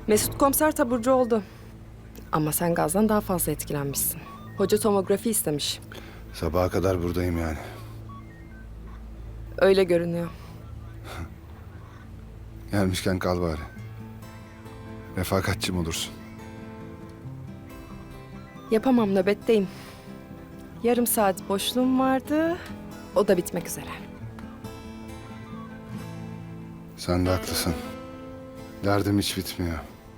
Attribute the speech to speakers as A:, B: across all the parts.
A: Mesut komiser taburcu oldu. Ama sen gazdan daha fazla etkilenmişsin. Hoca tomografi istemiş.
B: Sabaha kadar buradayım yani.
A: Öyle görünüyor.
B: Gelmişken kal bari. Refakatçim olursun.
A: Yapamam, nöbetteyim. Yarım saat boşluğum vardı. O da bitmek üzere.
B: Sen de haklısın. Derdim hiç bitmiyor.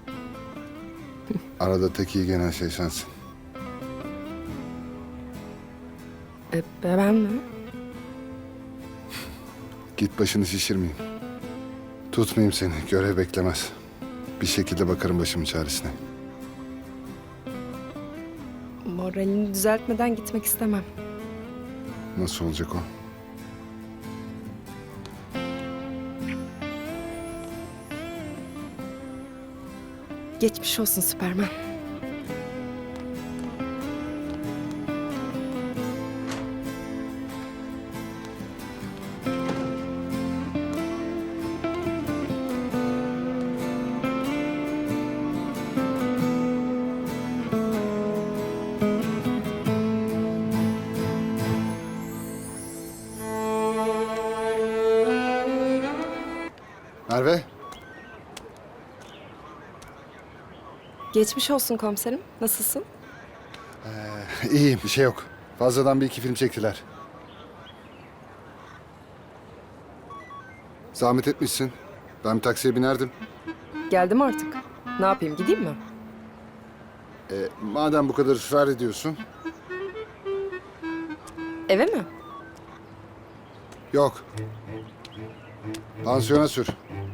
B: Arada tek iyi gelen şey sensin.
A: Ben mi?
B: Git başını şişirmeyeyim. Tutmayayım seni. Görev beklemez. Bir şekilde bakarım başımın çaresine.
A: Moralini düzeltmeden gitmek istemem.
B: Nasıl olacak o?
A: Geçmiş olsun Süpermen.
B: Merve,
A: Geçmiş olsun komiserim. Nasılsın?
B: iyiyim. Bir şey yok. Fazladan bir iki film çektiler. Zahmet etmişsin. Ben bir taksiye binerdim.
A: Geldim artık. Ne yapayım, gideyim mi?
B: Madem bu kadar ısrar ediyorsun.
A: Eve mi?
B: Yok. Pansiyona sür.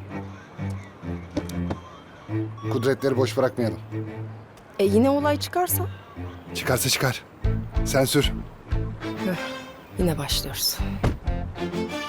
B: Kudretleri boş bırakmayalım.
A: Yine olay çıkarsa?
B: Çıkarsa çıkar. Sen sür.
A: Yine başlıyoruz.